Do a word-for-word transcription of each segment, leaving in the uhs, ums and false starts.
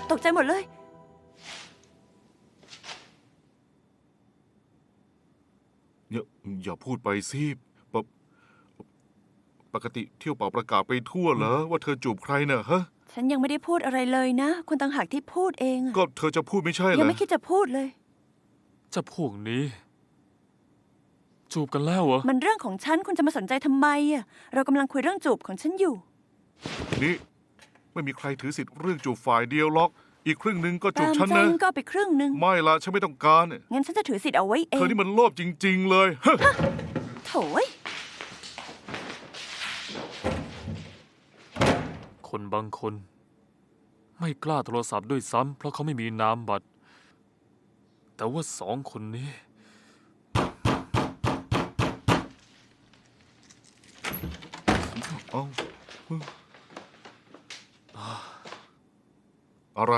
ตกใจหมดเลยอย่าอย่าพูดไปสิปกปกติเที่ยวเป่าประกาศไปทั่วเหรอว่าเธอจูบใครเน่ะฮะฉันยังไม่ได้พูดอะไรเลยนะคุณต่างหากที่พูดเองก็เธอจะพูดไม่ใช่เหรอยังไม่คิดจะพูดเลยจะพวกนี้ จูบกันแล้วเหรอมันเรื่องของฉันคุณจะมาสนใจทำไมอ่ะเรากำลังคุยเรื่องจูบของฉันอยู่นี่ไม่มีใครถือสิทธิ์เรื่องจูบฝ่ายเดียวหรอกอีกครึ่งหนึ่งก็จูบตามฉันใจนะก็เอาไปครึ่งหนึ่งไม่ละฉันไม่ต้องการงั้นฉันจะถือสิทธิ์เอาไว้เอเธอง นี่มันโลภจริง ๆ เลยฮะโถยคนบางคน ไม่กล้าโทรศัพท์ด้วยซ้ำเพราะเขาไม่มีนามบัตร แต่ว่าสองคนนี้เอ้าอะไร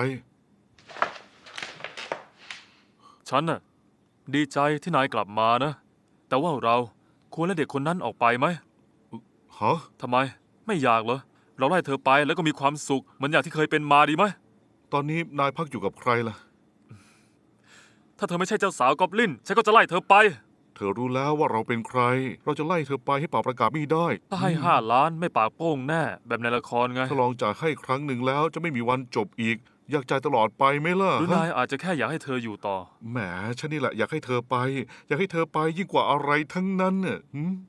ฉันน่ะดีใจที่นายกลับมานะ แต่ว่าเราควรไล่เด็กคนนั้นออกไปไหมฮะทำไมไม่อยากเหรอเราไล่เธอไปแล้วก็มีความสุขเหมือนอย่างที่เคยเป็นมาดีไหมตอนนี้นายพักอยู่กับใครล่ะถ้าเธอไม่ใช่เจ้าสาวกอบลินฉันก็จะไล่เธอไปเธอรู้แล้วว่าเราเป็นใคร เราจะไล่เธอไปให้เป่าประกาศไม่ได้ถ้าให้ห้าล้านไม่ปากโป้งแน่ แบบในละครไงถ้าลองจ่ายให้ครั้งหนึ่งแล้วจะไม่มีวันจบอีก อยากจ่ายตลอดไปไหมล่ะหรือฮะนายอาจจะแค่อยากให้เธออยู่ต่อแหมฉันนี่แหละอยากให้เธอไป อยากให้เธอไปยิ่งกว่าอะไรทั้งนั้นน่ะหืม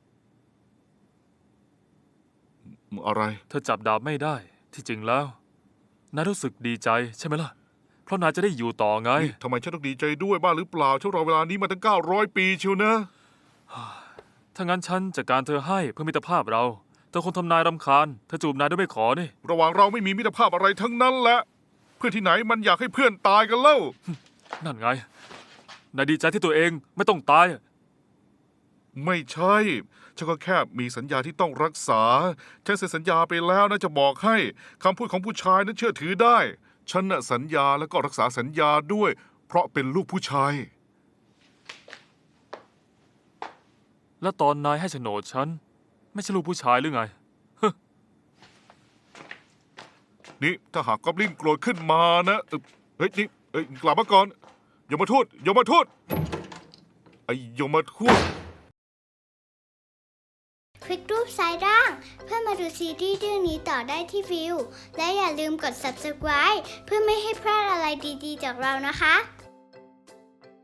อะไรเธอจับดาบไม่ได้ ที่จริงแล้วนายรู้สึกดีใจใช่ไหมล่ะ เพราะนายจะได้อยู่ต่อไงนี่ทำไมฉันต้องดีใจด้วยบ้างหรือเปล่าฉันรอเวลานี้มาตั้งเก้าร้อยปีเชียวนะถ้างั้นฉันจัดการเธอให้เพื่อมิตรภาพเราเธอคงทำนายรำคาญเธอจูบนายด้วยไม่ขอนี่ระหว่างเราไม่มีมิตรภาพอะไรทั้งนั้นแหละ เพื่อนที่ไหนมันอยากให้เพื่อนตายกันเล่านั่นไงนายดีใจที่ตัวเองไม่ต้องตายไม่ใช่ฉันก็แค่มีสัญญาที่ต้องรักษาฉันเซ็นสัญญาไปแล้วนะจะบอกให้คำพูดของผู้ชายนั้นเชื่อถือได้ ฉันน่ะสัญญาแล้วก็รักษาสัญญาด้วย เพราะเป็นลูกผู้ชายแล้วตอนนายให้โฉนดฉันไม่ใช่ลูกผู้ชายหรือไงนี่ถ้าหากกอบลินโกรธขึ้นมานะเอ่อเฮ้ยนี่เอ้ยกลับมาก่อนอย่ามาทูดอย่ามาทูดไอ้อย่ามาทูดคลิกรูปซ้ายล่าง เพื่อมาดูซีรีส์เรื่องนี้ต่อได้ที่วิว และอย่าลืมกด ซับสไครบ์ เพื่อไม่ให้พลาดอะไรดีๆจากเรานะคะ